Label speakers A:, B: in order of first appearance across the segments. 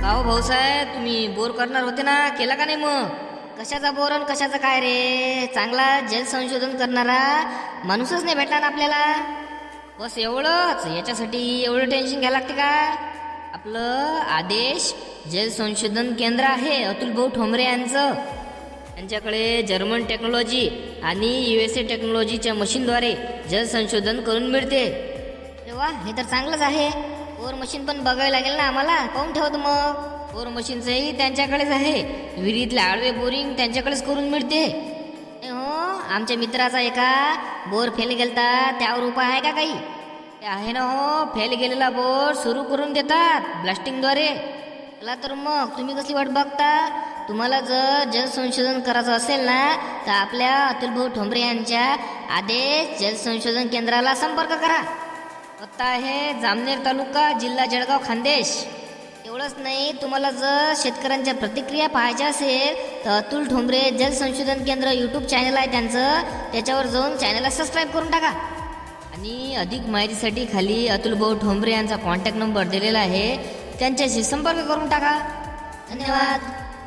A: का हो भाऊसाहेब, तुम्ही बोर करणार होते ना, केला का नाही? मग कशाचा बोर आणि कशाचा काय रे? चांगला जल संशोधन करणारा माणूसच नाही भेटला ना आपल्याला. बस एवढंच, याच्यासाठी एवढं टेन्शन घ्यायला लागते का? आपलं आदेश जल संशोधन केंद्र आहे अतुल भाऊ ठोंबरे यांचं. त्यांच्याकडे जर्मन टेक्नॉलॉजी आणि USA टेक्नॉलॉजीच्या मशीनद्वारे जल संशोधन करून मिळते. तेव्हा हे तर चांगलंच आहे. बोर मशीन पण बघावी लागेल ना आम्हाला. पाहून ठेवतो मग. बोर मशीनचंही त्यांच्याकडेच आहे. विहिरीतले आडवे बोरिंग त्यांच्याकडेच करून मिळते. हो, आमच्या मित्राचा एका बोर फेल गेलता, त्यावर उपाय आहे का काही? ते आहे ना हो, फेल गेलेला बोर सुरू करून देतात ब्लास्टिंगद्वारे. चला तर मग तुम्ही कसली वाट बघता? तुम्हाला जर जल संशोधन करायचं असेल ना, तर आपल्या अतुल भाऊ ठोंबरे यांच्या आदेश जल संशोधन केंद्राला संपर्क करा. पत्ता आहे जामनेर तालुका, जिल्हा जळगाव, खानदेश. एवढंच नाही, तुम्हाला जर शेतकऱ्यांच्या प्रतिक्रिया पाहायच्या असेल तर अतुल ठोंबरे जल संशोधन केंद्र यूट्यूब चॅनल आहे त्यांचं, त्याच्यावर जाऊन चॅनलला सबस्क्राईब करून टाका. आणि अधिक माहितीसाठी खाली अतुल भाऊ ठोंबरे यांचा कॉन्टॅक्ट नंबर दिलेला आहे, त्यांच्याशी संपर्क करून टाका. धन्यवाद.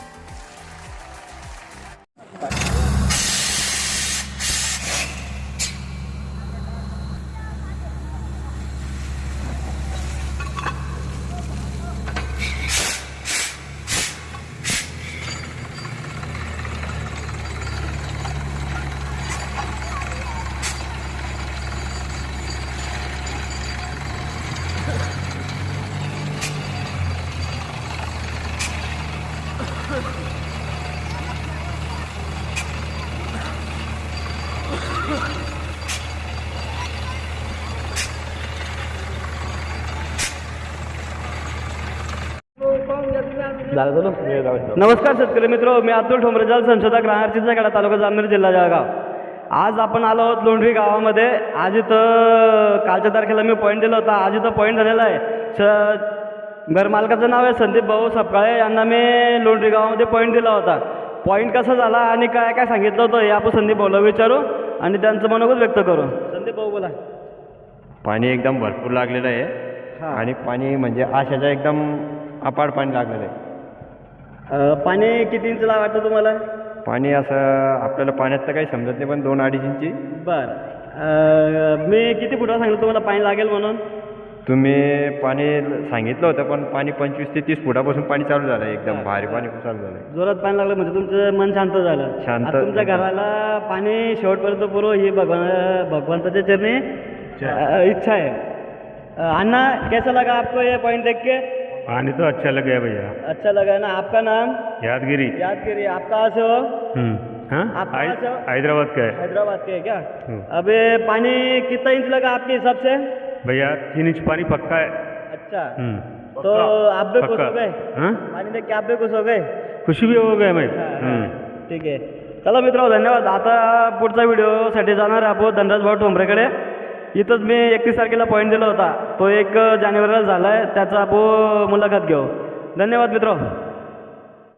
B: नमस्कार शेतकरी मित्र, मी अतुल ठोंबरे, जल संशोधक, राहणार चिंचखेडा, तालुका जामनेर, जिल्हा जळगाव. आज आपण आलो आहोत लोंढवी गावामध्ये. आज इथं कालच्या तारखेला मी पॉईंट दिला होता, आज इथं पॉईंट झालेला आहे. घरमालकाचं नाव आहे संदीप भाऊ सपकाळे, यांना मी लोंढवी गावामध्ये पॉईंट दिला होता. पॉईंट कसा झाला आणि काय काय सांगितलं होतं हे आपण संदीप भाऊला विचारू आणि त्यांचं मनोगत व्यक्त करू. संदीप भाऊ बोला.
C: पाणी एकदम भरपूर लागलेलं आहे आणि पाणी म्हणजे आशाच्या एकदम अपार पाणी लागलेलं आहे.
B: पाणी किती इंचला वाटतं तुम्हाला?
C: पाणी असं आपल्याला पाण्यात तर काही समजत नाही, पण 2-2.5 इंची.
B: बरं, मी किती फुटावर सांगितलं तुम्हाला पाणी लागेल म्हणून?
C: तुम्ही पाणी सांगितलं होतं, पण पाणी 25 ते 30 फुटापासून पाणी चालू झालं, एकदम भारी पाणी चालू झालं.
B: जोरात पाणी लागलं म्हणजे तुमचं मन शांत झालं.
C: शांत.
B: तुमच्या घराला पाणी शेवटपर्यंत पुरो ही भगवंताच्या चरणी इच्छा है. अन्ना, कैसा लगा आपको ये पॉइंट देख के?
C: पानी तो अच्छा लगे भैया.
B: अच्छा लगा ना. आपका नाम?
C: यादगिरी.
B: यादगिरी. आप कहाँ से हो?
C: आप हैदराबाद का है.
B: हैदराबाद के है क्या? अबे पानी कितना इंच लगा आपके हिसाब से?
C: भैया 3 इंच पानी पक्का है.
B: अच्छा, तो आप भी खुश हो गए? पानी देख के आप भी खुश हो गए?
C: खुशी भी हो गए मैं.
B: ठीक आहे. चला मित्रांनो, धन्यवाद. आता पुढचा व्हिडिओसाठी जाणार आहे आपण धनराज भाऊ ठोंबरेकडे. इथंच मी 31 तारखेला पॉईंट दिला होता, तो 1 जानेवारीला झाला आहे, त्याचा आपण मुलाखत घेऊ. धन्यवाद मित्र.